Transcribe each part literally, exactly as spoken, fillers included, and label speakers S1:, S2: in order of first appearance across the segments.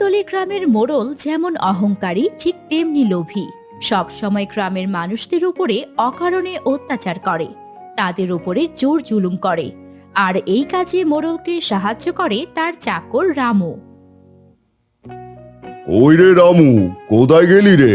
S1: কদমতলী গ্রামের মোড়ল যেমন অহংকারী ঠিক তেমনি লোভী। সব সময় গ্রামের মানুষদের উপরে অকারণে অত্যাচার করে, তাদের উপরে জোর জুলুম করে। আর এই কাজে মোড়লকে সাহায্য করে তার চাকর রামু।
S2: ওই রে রামু, কোথায় গেলি রে?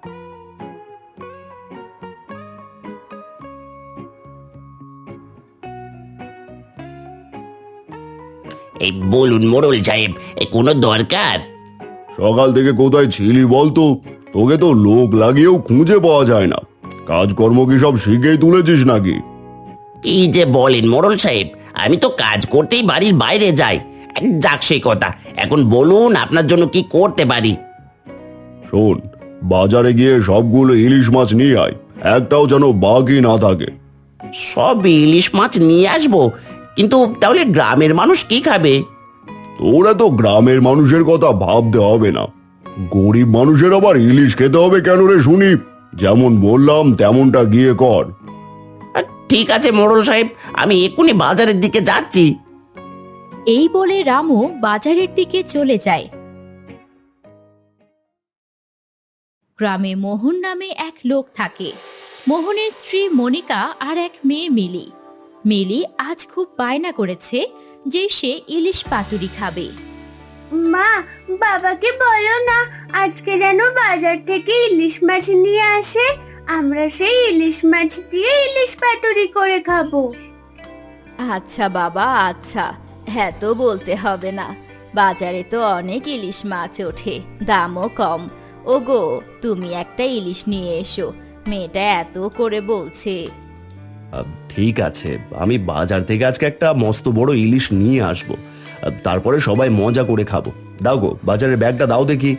S3: এই বলুন মোড়ল সাহেব, এ কোনো দরকার?
S2: সকাল থেকে কোথায় ছিলি বলতো? তোকে তো লোক লাগিয়েও খুঁজে পাওয়া যায় না। কাজকর্ম কি সব শিখেই তুলেছিস নাকি?
S3: কি যে বলেন মোড়ল সাহেব, আমি তো কাজ করতেই বাড়ির বাইরে যাই। যাক সে কথা, এখন বলুন আপনার জন্য কি করতে পারি।
S2: শোন, বাজারে গিয়ে সবগুলো ইলিশ মাছ নিয়ে আয়, একটাও যেন বাকি না থাকে।
S3: সব ইলিশ মাছ নিয়ে আসবো, কিন্তু তাহলে গ্রামের মানুষ কি খাবে?
S2: তোরা তো গ্রামের মানুষের কথা ভাবতে হবে না, গরিব মানুষের আবার ইলিশ খেতে হবে কেন রে শুনি? যেমন বললাম তেমনটা গিয়ে কর।
S3: আহ, ঠিক আছে মোড়ল সাহেব, আমি এক্ষুনি বাজারের দিকে যাচ্ছি।
S1: এই বলে রামু বাজারের দিকে চলে যায়। গ্রামে মোহন নামে এক লোক থাকে। মোহনের স্ত্রী মনিকা আর এক মেয়ে মিলি। মিলি আজ খুব বায়না করেছে যে সে ইলিশ পাতুরি খাবে।
S4: মা, বাবাকে বলো না আজকে যেন বাজার থেকে ইলিশ মাছ নিয়ে আসে, আমরা সেই ইলিশ মাছ দিয়ে ইলিশ পাতুরি করে খাবো।
S1: আচ্ছা বাবা, আচ্ছা, হ্যাঁ তো বলতে হবে না, বাজারে তো অনেক ইলিশ মাছ ওঠে, দামও কম। ওগো, তুমি একটা ইলিশ নিয়ে এসো, মেয়েটা এত করে বলছে।
S2: আহ, ঠিক আছে, আমি বাজার থেকে আজকে একটা মস্ত বড় ইলিশ নিয়ে আসবো, আহ, তারপরে সবাই মজা করে খাবো। দাও গো, বাজারের ব্যাগটা দাও দেখি।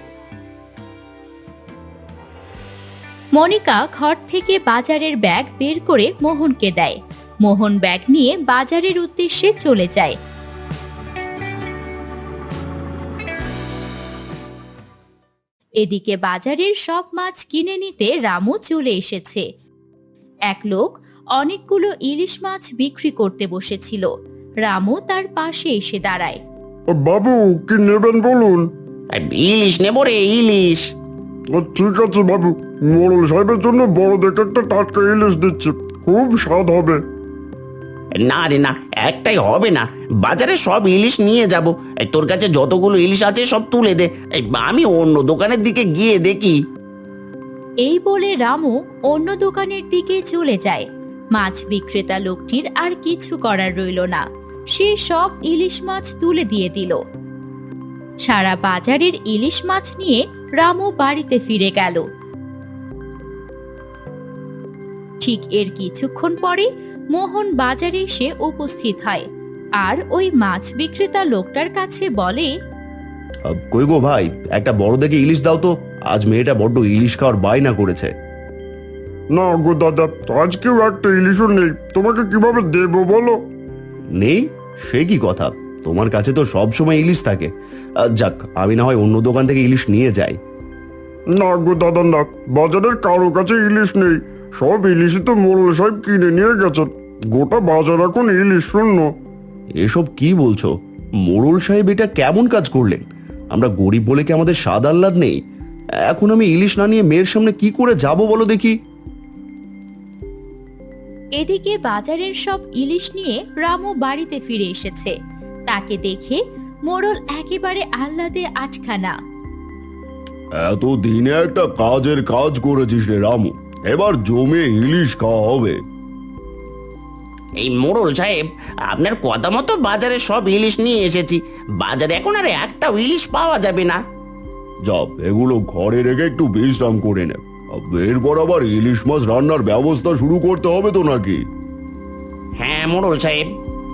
S1: মনিকা ঘর থেকে বাজারের ব্যাগ বের করে মোহনকে দেয়। মোহন ব্যাগ নিয়ে বাজারের উদ্দেশ্যে চলে যায়। এদিকে বাজারের সব মাছ কিনে নিতে রামু চলে এসেছে। এক লোক অনেকগুলো ইলিশ মাছ বিক্রি করতে বসেছিল। রামু তার পাশে এসে দাঁড়ায়।
S2: বাবু, কি নেবেন বলুন?
S3: আহ, ইলিশ নেবো রে, ইলিশ।
S2: ঠিক আছে বাবু, মোড়ল সাহেবের জন্য বড় দেখে একটা টাটকা ইলিশ দিচ্ছি, খুব স্বাদ হবে।
S3: না রে না, একটাই হবে না, বাজারে সব ইলিশ নিয়ে যাব। এই তোর কাছে যতগুলো ইলিশ আছে সব তুলে দে, এই আমি অন্য দোকানের দিকে গিয়ে দেখি।
S1: এই বলে রামু অন্য দোকানের দিকে চলে যায়। মাছ বিক্রেতা লোকটির আর কিছু করার রইল না, সে সব ইলিশ মাছ তুলে দিয়ে দিল। সারা বাজারের ইলিশ মাছ নিয়ে রামু বাড়িতে ফিরে গেল। ঠিক এর কিছুক্ষণ পরে মোহন বাজারে এসে উপস্থিত হয় আর ওই মাছ বিক্রেতা লোকটার কাছে বলে,
S2: কই গো ভাই, একটা বড় দেখে ইলিশ দাও তো, আজ মেয়েটা বড্ড ইলিশ খাওয়ার বায়না করেছে। না গো দাদা, আজকেও একটা ইলিশও নেই, তোমাকে কিভাবে দেবো বলো? নেই? সে কি কথা, তোমার কাছে তো সব সময় ইলিশ থাকে। আহ, যাক, আমি না হয় অন্য দোকান থেকে ইলিশ নিয়ে যাই। না গো দাদা না, বাজারের কারো কাছে ইলিশ নেই, সব ইলিশই তো মোড়ল সাহেব কিনে নিয়ে গেছেন, গোটা বাজার এখন ইলিশ শূন্য। এসব কি বলছো? মোড়ল সাহেব এটা কেমন কাজ করলেন? আমরা গরিব বলে কি আমাদের স্বাদ আহ্লাদ নেই? এখন আমি ইলিশ না নিয়ে মেয়ের সামনে কি করে যাব বলো দেখি?
S1: এদিকে বাজারের সব ইলিশ নিয়ে রামু বাড়িতে ফিরে এসেছে। তাকে দেখে মোড়ল একেবারে আহ্লাদে আটখানা।
S2: এত দিনে একটা কাজের কাজ করেছিস রে রামু, এবার জমে ইলিশ খাওয়া হবে।
S3: এই মোড়ল সাহেব, আপনার কথা মতো বাজারে সব ইলিশ নিয়ে এসেছি, বাজারে এখন আর একটাও ইলিশ পাওয়া যাবে না।
S2: যা, এগুলো ঘরে রেখে একটু বিশ্রাম করে নে, এরপর আবার ইলিশ মাছ রান্নার ব্যবস্থা শুরু করতে হবে তো নাকি?
S3: হ্যাঁ মোড়ল সাহেব।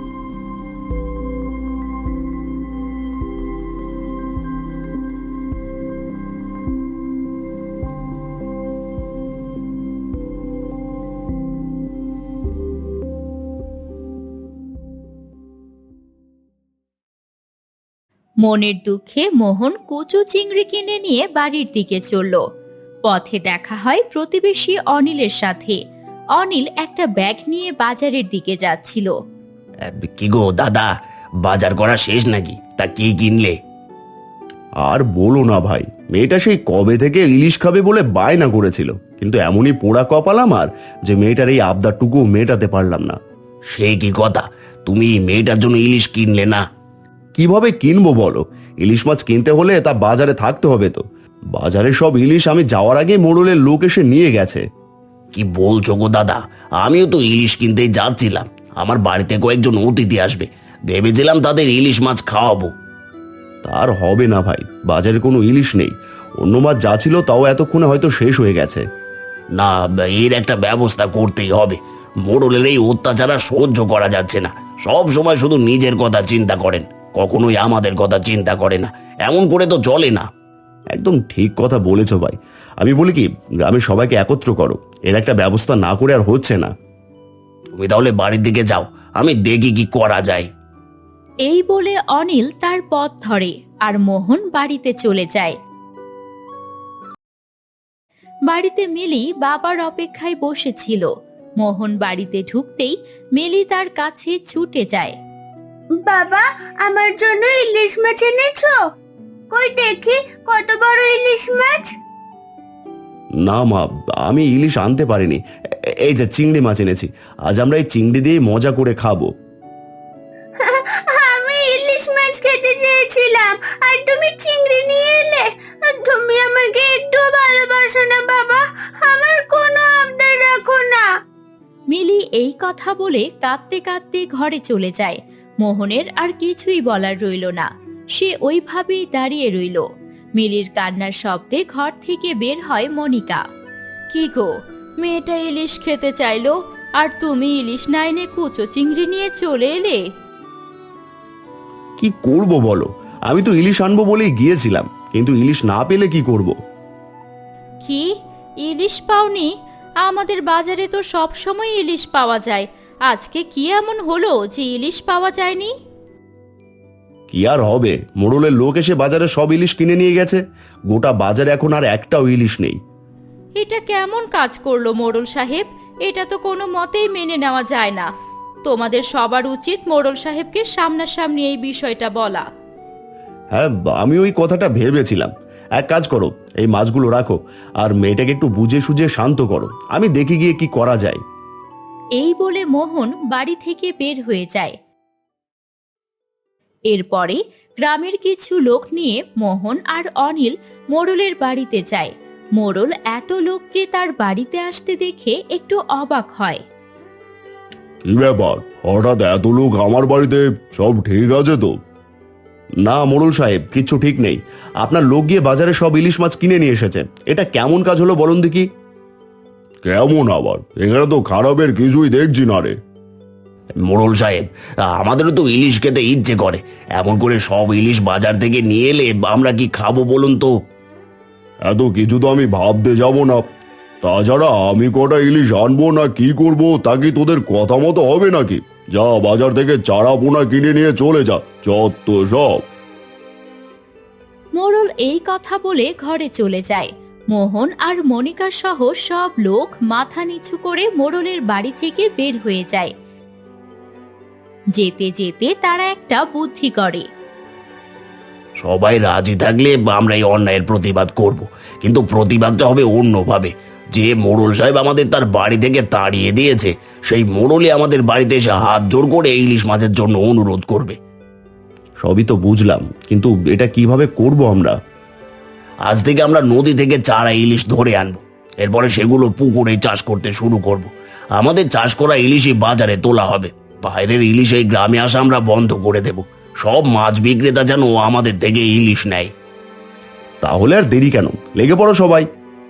S1: মনের দুঃখে মোহন কচু চিংড়ি কিনে নিয়ে বাড়ির দিকে চলল। পথে দেখা হয় প্রতিবেশী অনিলের সাথে। অনিল একটা ব্যাগ নিয়ে বাজারের দিকে যাচ্ছিল।
S3: কি গো দাদা, বাজার করা শেষ নাকি? তা কি কিনলে?
S2: আর বলো না ভাই, মেয়েটা সেই কবে থেকে ইলিশ খাবে বলে বায়না করেছিল, কিন্তু এমনই পোড়া কপাল আমার যে মেয়েটার এই আবদারটুকু মেটাতে পারলাম না।
S3: সে কি কথা, তুমি মেয়েটার জন্য ইলিশ কিনলে না?
S2: কিভাবে কিনবো বলো? ইলিশ মাছ কিনতে হলে তা বাজারে থাকতে হবে তো। বাজারে সব ইলিশ আমি যাওয়ার আগে মোড়লের লোক এসে নিয়ে গেছে।
S3: কি বলছো গো দাদা, আমিও তো ইলিশ কিনতেই যাচ্ছিলাম। আমার বাড়িতে কয়েকজন অতিথি আসবে, ভেবেছিলাম তাদের ইলিশ মাছ খাওয়াবো।
S2: তার হবে না ভাই, বাজারে কোনো ইলিশ নেই। অন্য মাছ যা ছিল তাও এতক্ষণে হয়তো শেষ হয়ে গেছে।
S3: না, এর একটা ব্যবস্থা করতেই হবে। মোড়লের এই অত্যাচার আর সহ্য করা যাচ্ছে না। সব সময় শুধু নিজের কথা চিন্তা করেন, কখনোই আমাদের কথা চিন্তা করে না। এমন করে তো চলে না।
S2: একদম ঠিক কথা বলেছ ভাই। আমি বলি কি, গ্রামের সবাইকে একত্র করো, এর একটা ব্যবস্থা না করে আর হচ্ছে না।
S3: তুমি তাহলে বাড়ির দিকে যাও, আমি দেখি কি করা যায়।
S1: এই বলে অনিল তার পথ ধরে আর মোহন বাড়িতে চলে যায়। বাড়িতে মিলি বাবার অপেক্ষায় বসেছিল। মোহন বাড়িতে ঢুকতেই মিলি তার কাছে ছুটে যায়।
S4: বাবা, আমার জন্য ইলিশ মাছ এনেছো? কই দেখি কত বড় ইলিশ মাছ।
S2: না মা, আমি ইলিশ আনতে পারিনি। এ- এই যে চিংড়ি মাছ এনেছি, আজ আমরা এই চিংড়ি দিয়ে মজা করে খাবো।
S4: আমি ইলিশ মাছ খেতে চেয়েছিলাম আর তুমি চিংড়ি নিয়ে এলে। তুমি আমাকে একটু ভালোবাসো না বাবা? আমার কোনো আবদার রাখো না।
S1: মিলি এই কথা বলে কাঁদতে কাঁদতে ঘরে চলে যায়। মোহনের আর কিছুই বলার রইল না, সে ওইভাবেই দাঁড়িয়ে রইল। মিলির কান্নার শব্দে ঘর থেকে বের হয় মনিকা। কি গো, মেয়েটা ইলিশ খেতে চাইলো আর তুমি ইলিশ না এনে কুচো চিংড়ি নিয়ে চলে এলে।
S2: কি করব বলো? আমি তো ইলিশ আনবো বলেই গিয়েছিলাম, কিন্তু ইলিশ না পেলে কি করব?
S1: কি, ইলিশ পাওনি? আমাদের বাজারে তো সব সময় ইলিশ পাওয়া যায়, আজকে কি এমন হলো যে ইলিশ পাওয়া যায়নি?
S2: কি আর হবে, মোড়লের লোক এসে বাজারে সব ইলিশ কিনে নিয়ে গেছে। গোটা বাজারে এখন আর একটাও ইলিশ নেই।
S1: এটা কেমন কাজ করলো মোড়ল সাহেব? এটা তো কোনো মতেই মেনে নেওয়া যায় না। তোমাদের সবার উচিত মোড়ল সাহেবকে সামনাসামনি এই বিষয়টা বলা।
S2: হ্যাঁ, আমি ওই কথাটা ভেবেছিলাম। এক কাজ করো, এই মাছগুলো রাখো আর মেয়েটাকে একটু বুঝে সুঝে শান্ত করো, আমি দেখে গিয়ে কি করা যায়।
S1: এই বলে মোহন বাড়ি থেকে বের হয়ে যায়। এরপরে গ্রামের কিছু লোক নিয়ে মোহন আর অনিল মোড়লের বাড়িতে যায়। মোড়ল এত লোককে তার বাড়িতে আসতে দেখে একটু অবাক হয়।
S2: কি ব্যাপার, হঠাৎ এত লোক আমার বাড়িতে? সব ঠিক আছে তো? না মোড়ল সাহেব, কিচ্ছু ঠিক নেই। আপনার লোক গিয়ে বাজারে সব ইলিশ মাছ কিনে নিয়ে এসেছে। এটা কেমন কাজ হলো বলুন দেখি? কেমন আবার? এখানে তো খারাপের কিছুই দেখছি না রে।
S3: মোড়ল সাহেব, আমাদেরও তো ইলিশ খেতে ইচ্ছে করে। এমন করে সব ইলিশ বাজার থেকে নিয়ে এলে আমরা কি খাবো বলুন তো?
S2: এত কিছু তো আমি ভাবতে যাব না। তাছাড়া আমি কটা ইলিশ আনবো না কি করব তা কি তোদের কথা মতো হবে নাকি? যা, বাজার থেকে চারা পোনা কিনে নিয়ে চলে যা, যত সব।
S1: মোড়ল এই কথা বলে ঘরে চলে যায়। মোহন আর মনিকা সহ সব লোক মাথা নিচু করে মোড়লের বাড়ি থেকে বের হয়ে যায়। যেতে যেতে তারা একটা বুদ্ধি করে।
S3: সবাই রাজি থাকলে আমরা এই অন্যায়ের প্রতিবাদ করব, কিন্তু প্রতিবাদটা হবে অন্যভাবে। যে মোড়ল সাহেব আমাদের তার বাড়ি থেকে তাড়িয়ে দিয়েছে, সেই মোড়লই আমাদের বাড়িতে এসে হাত জোর করে ইলিশ মাছের জন্য অনুরোধ করবে।
S2: সবই তো বুঝলাম, কিন্তু এটা কিভাবে করব আমরা?
S3: আজ থেকে আমরা নদী থেকে চারা ইলিশ ধরে আনবো, এরপরে সেগুলো পুকুরে চাষ করতে শুরু করব। আমাদের চাষ করা ইলিশই বাজারে তোলা হবে। বাইরের ইলিশ এই গ্রামে আসা আমরা বন্ধ করে দেব। সব মাছ বিক্রেতা যেন আমাদের থেকে ইলিশ নেয়।
S2: তাহলে আর দেরি কেন, লেগে পড়ো সবাই।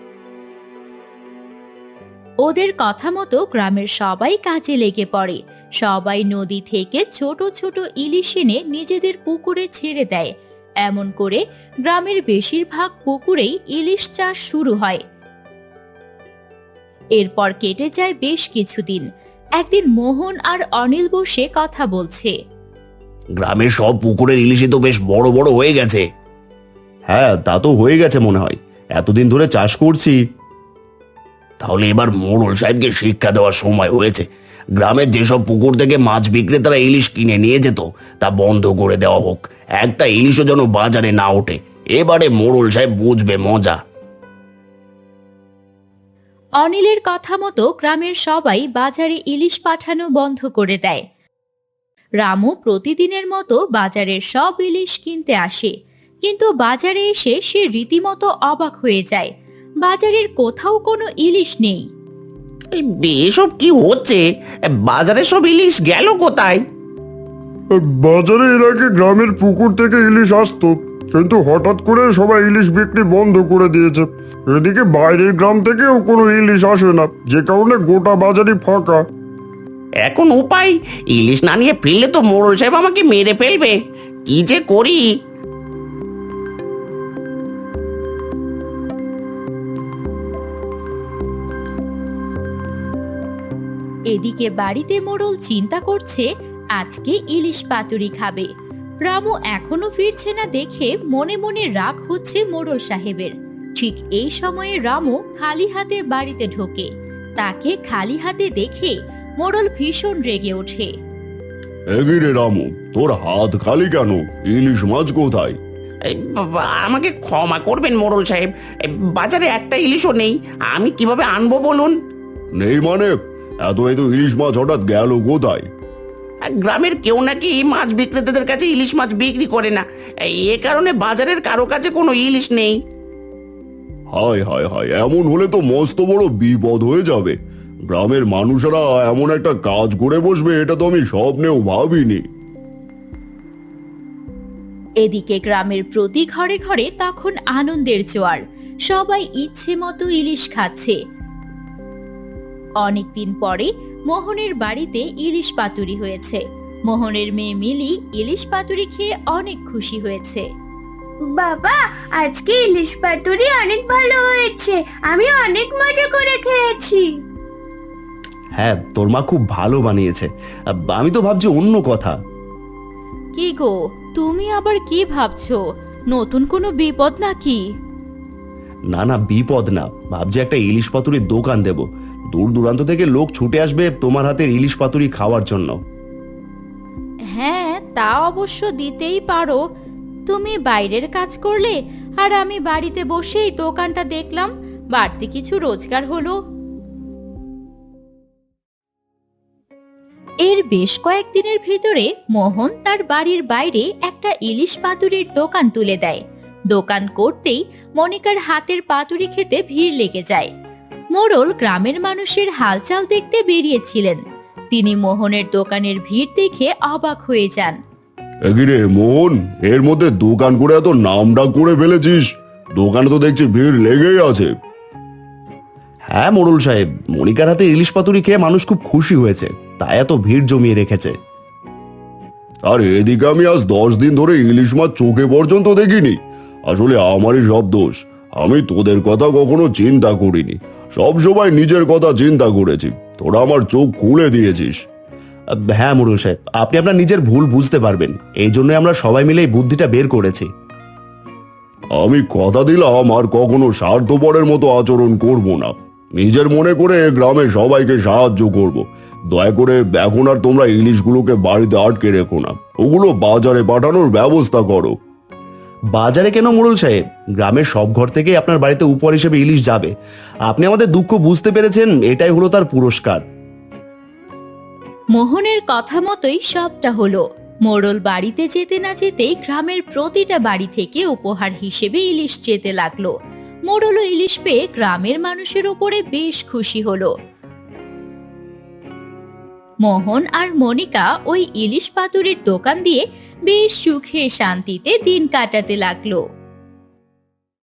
S1: ওদের কথা মতো গ্রামের সবাই কাজে লেগে পড়ে। সবাই নদী থেকে ছোট ছোট ইলিশ এনে নিজেদের পুকুরে ছেড়ে দেয়। এমন করে গ্রামের বেশিরভাগ পুকুরেই ইলিশ চাষ শুরু হয়। এরপর কেটে যায় বেশ কিছুদিন। একদিন মোহন আর অনিল বসে কথা বলছে।
S3: গ্রামের সব পুকুরের ইলিশই তো বেশ বড় বড় হয়ে গেছে।
S2: হ্যাঁ, তা তো হয়ে গেছে মনে হয়, এতদিন ধরে চাষ করছি।
S3: তাহলে এবার মোড়ল সাহেবকে শিক্ষা দেওয়ার সময় হয়েছে। গ্রামের যেসব পুকুর থেকে মাছ বিক্রেতারা ইলিশ কিনে নিয়ে যেত তা বন্ধ করে দেওয়া হোক। একটা ইলিশও যেন বাজারে না ওঠে, এবারে মোড়ল সাহেব বুঝবে মজা।
S1: অনিলের কথা মতো গ্রামের সবাই বাজারে ইলিশ পাঠানো বন্ধ করে দেয়। রামু প্রতিদিনের মতো বাজারের সব ইলিশ কিনতে আসে, কিন্তু বাজারে এসে সে রীতিমতো অবাক হয়ে যায়। বাজারের কোথাও কোনো ইলিশ নেই।
S3: এসব কি হচ্ছে? বাজারে সব ইলিশ গেল কোথায়?
S2: বাজারে এর আগে গ্রামের পুকুর থেকে ইলিশ আসতো, কিন্তু হঠাৎ করে সবাই ইলিশ বিক্রি বন্ধ করে দিয়েছে। এদিকে বাইরের গ্রাম থেকেও কোনো ইলিশ আসে না, যে কারণে গোটা বাজারই ফাঁকা।
S3: এখন উপায়, ইলিশ না নিয়ে ফিরলে তো মোড়ল সাহেব আমাকে মেরে ফেলবে। কি যে করি।
S1: এদিকে বাড়িতে মোড়ল চিন্তা করছে আজকে ইলিশ পাতুরি খাবে। রামু এখনো ফিরছে না দেখে মনে মনে রাগ হচ্ছে মোড়ল সাহেবের। ঠিক এই সময়ে রামু খালি হাতে বাড়িতে ঢোকে। তাকে খালি হাতে দেখে মোড়ল ভীষণ রেগে ওঠে।
S2: এগিরে রামু, তোর হাত খালি কেন? ইলিশ মাছ কোথায়?
S3: এই বাবা, আমাকে ক্ষমা করবেন মোড়ল সাহেব, এই বাজারে একটা ইলিশও নেই। আমি কিভাবে আনবো বলুন?
S2: নেই মানে? এত এত ইলিশ মাছ হঠাৎ গেল কোথায়?
S3: আর গ্রামের কেউ নাকি মাছ বিক্রেতাদের কাছে ইলিশ মাছ বিক্রি করে না, এ কারণে বাজারের কারো কাছে কোনো ইলিশ নেই।
S2: হায় হায় হায়, এমন হলে তো মস্ত বড় বিপদ হয়ে যাবে। গ্রামের মানুষেরা এমন একটা কাজ করে বসবে, এটা তো আমি স্বপ্নেও ভাবিনি।
S1: এদিকে গ্রামের প্রতি ঘরে ঘরে তখন আনন্দের জোয়ার। সবাই ইচ্ছে মতো ইলিশ খাচ্ছে। অনেকদিন পরে মোহনের বাড়িতে ইলিশ পাতুরি হয়েছে। মোহনের মেয়ে মিলি ইলিশ পাতুরি খেয়ে অনেক খুশি হয়েছে।
S4: বাবা, আজকে ইলিশ পাতুরি অনেক ভালো হয়েছে, আমি অনেক মজা করে খেয়েছি।
S2: হ্যাঁ, তোর মা খুব ভালো বানিয়েছে। আমি তো ভাবছি অন্য কথা।
S1: কি গো, তুমি আবার কি ভাবছো? নতুন কোনো বিপদ নাকি?
S2: না না, বিপদ না, ভাবছি একটা ইলিশ পাতুরির দোকান দেব। দূর দূরান্ত থেকে লোক ছুটে আসবে তোমার হাতের ইলিশ পাতুরি খাওয়ার জন্য।
S1: হ্যাঁ, তা অবশ্য দিতেই পারো। তুমি বাইরের কাজ করলে আর আমি বাড়িতে বসেই দোকানটা দেখলাম, বাড়তি কিছু রোজগার হলো। এর বেশ কয়েকদিনের ভিতরে মোহন তার বাড়ির বাইরে একটা ইলিশ পাতুরির দোকান তুলে দেয়। দোকান করতেই মনিকার হাতের পাতুরি খেতে ভিড় লেগে যায়। মোড়ল গ্রামের মানুষের হালচাল দেখতে বেরিয়েছিলেন। তিনি মোহনের দোকানের ভিড় দেখে অবাক হয়ে যান।
S2: এগিরে মোহন, এর মধ্যে দোকান করে এত নামডাক করে ফেলেছিস। দোকানে তো দেখছি ভিড় লেগেই আছে। হ্যাঁ মোড়ল সাহেব, মনিকার হাতে ইলিশ পাতুরি খেয়ে মানুষ খুব খুশি হয়েছে, তাই এত ভিড় জমিয়ে রেখেছে। আর এদিকে আমি আজ দশ দিন ধরে ইলিশ মাছ চোখে পর্যন্ত দেখিনি। আসলে আমারই সব দোষ, আমি তোদের কথা কখনো চিন্তা করিনি। সব সময় নিজের কথা চিন্তা করেছি, তোরা আমার চোখ খুলে দিয়েছিস। হ্যাঁ মোড়ল সাহেব, আপনি আপনার নিজের ভুল বুঝতে পারবেন, এই জন্য আমরা সবাই মিলে এই বুদ্ধিটা বের করেছি। আমি কথা দিলাম আর কখনো স্বার্থপরের মতো আচরণ করব না। নিজের মনে করে গ্রামের সবাইকে সাহায্য করব। দয়া করে এখন আর তোমরা ইলিশগুলোকে বাড়িতে আটকে রেখো না, ওগুলো বাজারে পাঠানোর ব্যবস্থা করো। বাজারে কেন মোড়ল সাহেব? গ্রামের সব ঘর থেকে আপনার বাড়িতে উপহার হিসেবে ইলিশ যাবে। আপনি আমাদের দুঃখ বুঝতে পেরেছেন, এটাই হলো তার পুরস্কার।
S1: মোহনের কথা মতোই সবটা হলো। মোড়ল বাড়িতে যেতে না যেতেই গ্রামের প্রতিটা বাড়ি থেকে উপহার হিসেবে ইলিশ যেতে লাগলো। মোড়লও ইলিশ পেয়ে গ্রামের মানুষের উপরে বেশ খুশি হলো। মোহন আর মনিকা ওই ইলিশ পাতুরির দোকান দিয়ে বেশ সুখে শান্তিতে দিন কাটাতে লাগলো।